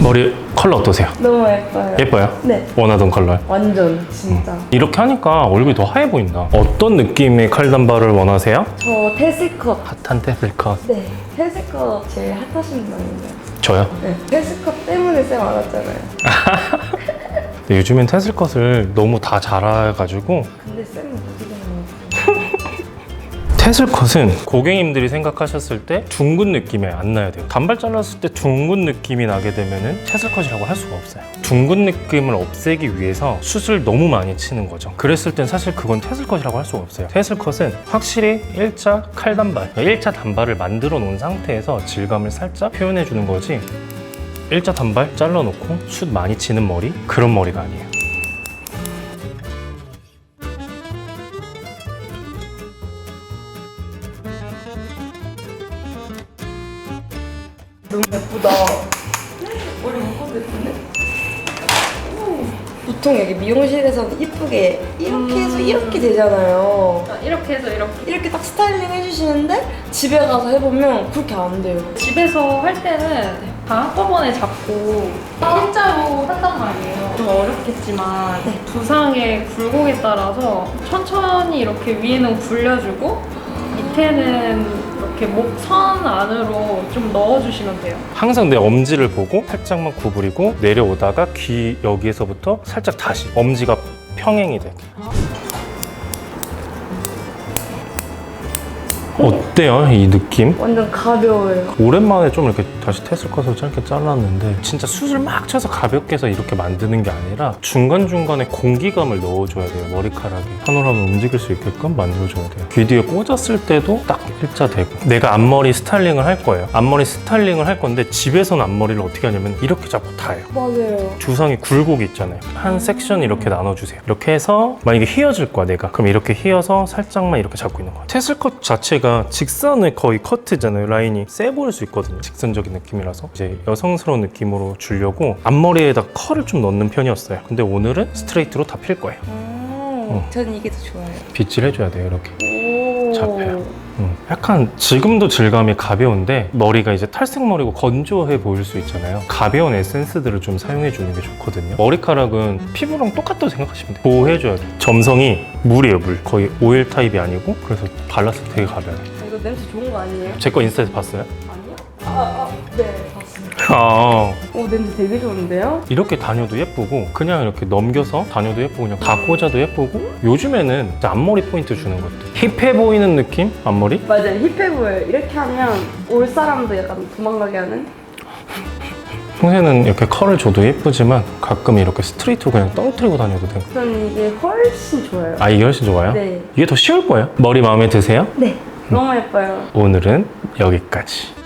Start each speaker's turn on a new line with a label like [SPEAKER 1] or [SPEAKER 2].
[SPEAKER 1] 머리 컬러 어떠세요?
[SPEAKER 2] 너무 예뻐요.
[SPEAKER 1] 예뻐요?
[SPEAKER 2] 네.
[SPEAKER 1] 원하던 컬러.
[SPEAKER 2] 완전 진짜.
[SPEAKER 1] 이렇게 하니까 얼굴이 더 하얘 보인다. 어떤 느낌의 칼단발을 원하세요?
[SPEAKER 2] 저 테슬컷.
[SPEAKER 1] 핫한 테슬컷.
[SPEAKER 2] 네. 테슬컷 제일 핫하신 분인데.
[SPEAKER 1] 저요?
[SPEAKER 2] 네. 테슬컷 때문에 쌤 알았잖아요.
[SPEAKER 1] 근데 요즘엔 테슬컷을 너무 다 잘해가지고
[SPEAKER 2] 근데 쌤은 어떻게 되는
[SPEAKER 1] 테슬컷은 고객님들이 생각하셨을 때 둥근 느낌이 안 나야 돼요. 단발 잘랐을 때 둥근 느낌이 나게 되면은 테슬컷이라고 할 수가 없어요. 둥근 느낌을 없애기 위해서 숱을 너무 많이 치는 거죠. 그랬을 땐 사실 그건 테슬컷이라고 할 수가 없어요. 테슬컷은 확실히 1차 칼단발, 1차 단발을 만들어 놓은 상태에서 질감을 살짝 표현해 주는 거지, 1차 단발 잘라놓고 숱 많이 치는 머리, 그런 머리가 아니에요.
[SPEAKER 2] 너무 예쁘다. 머리 묶어도 예쁘네. 보통 여기 미용실에서는 이쁘게 이렇게 해서 이렇게 되잖아요.
[SPEAKER 3] 이렇게 해서
[SPEAKER 2] 이렇게 딱 스타일링 해주시는데 집에 가서 해보면 그렇게 안 돼요.
[SPEAKER 3] 집에서 할 때는 다 한꺼번에 잡고 일자로 한단 말이에요. 좀 어렵겠지만 두상의 굴곡에 따라서 천천히 이렇게 위에는 굴려주고 밑에는 이렇게 목선 안으로 좀 넣어주시면 돼요.
[SPEAKER 1] 항상 내 엄지를 보고 살짝만 구부리고 내려오다가 귀 여기에서부터 살짝 다시 엄지가 평행이 되게. 어때요, 이 느낌?
[SPEAKER 2] 완전 가벼워요.
[SPEAKER 1] 오랜만에 좀 이렇게 다시 테슬컷을 짧게 잘랐는데 진짜 숱을 막 쳐서 가볍게 해서 이렇게 만드는 게 아니라 중간중간에 공기감을 넣어줘야 돼요. 머리카락이 파노라마 움직일 수 있게끔 만들어줘야 돼요. 귀 뒤에 꽂았을 때도 딱 일자되고. 내가 앞머리 스타일링을 할 거예요. 앞머리 스타일링을 할 건데 집에서는 앞머리를 어떻게 하냐면 이렇게 잡고 타요.
[SPEAKER 2] 맞아요.
[SPEAKER 1] 두상에 굴곡이 있잖아요. 한 섹션 이렇게 나눠주세요. 이렇게 해서 만약에 휘어질 거야 내가. 그럼 이렇게 휘어서 살짝만 이렇게 잡고 있는 거야. 테슬컷 자체가 직선의 거의 커트잖아요. 라인이 세 보일 수 있거든요. 직선적인 느낌이라서 이제 여성스러운 느낌으로 주려고 앞머리에다 컬을 좀 넣는 편이었어요. 근데 오늘은 스트레이트로 다 필 거예요.
[SPEAKER 2] 전 이게 더 좋아요.
[SPEAKER 1] 빗질 해줘야 돼요. 이렇게
[SPEAKER 2] 오.
[SPEAKER 1] 잡혀요. 약간 지금도 질감이 가벼운데 머리가 이제 탈색머리고 건조해 보일 수 있잖아요. 가벼운 에센스들을 좀 사용해 주는 게 좋거든요. 머리카락은 피부랑 똑같다고 생각하시면 돼요. 보호해줘야 돼요. 점성이 물이에요, 물. 거의 오일 타입이 아니고, 그래서 발랐을 때 되게 가벼워요.
[SPEAKER 2] 이거 냄새 좋은 거 아니에요?
[SPEAKER 1] 제 거 인스타에서 봤어요?
[SPEAKER 2] 아니요? 네, 봤습니다.
[SPEAKER 1] 아,
[SPEAKER 2] 오, 냄새 되게 좋은데요?
[SPEAKER 1] 이렇게 다녀도 예쁘고 그냥 이렇게 넘겨서 다녀도 예쁘고 그냥 다 꽂아도 예쁘고, 요즘에는 진짜 앞머리 포인트 주는 것도 힙해 보이는 느낌? 앞머리?
[SPEAKER 2] 맞아요, 힙해 보여요. 이렇게 하면 올 사람도 약간 도망가게 하는?
[SPEAKER 1] 평소에는 이렇게 컬을 줘도 예쁘지만 가끔 이렇게 스트레이트로 그냥 떨어뜨리고 다녀도 돼요.
[SPEAKER 2] 저는 이게 훨씬 좋아요.
[SPEAKER 1] 아, 이게 훨씬 좋아요?
[SPEAKER 2] 네.
[SPEAKER 1] 이게 더 쉬울 거예요. 머리 마음에 드세요?
[SPEAKER 2] 네, 너무 예뻐요.
[SPEAKER 1] 오늘은 여기까지.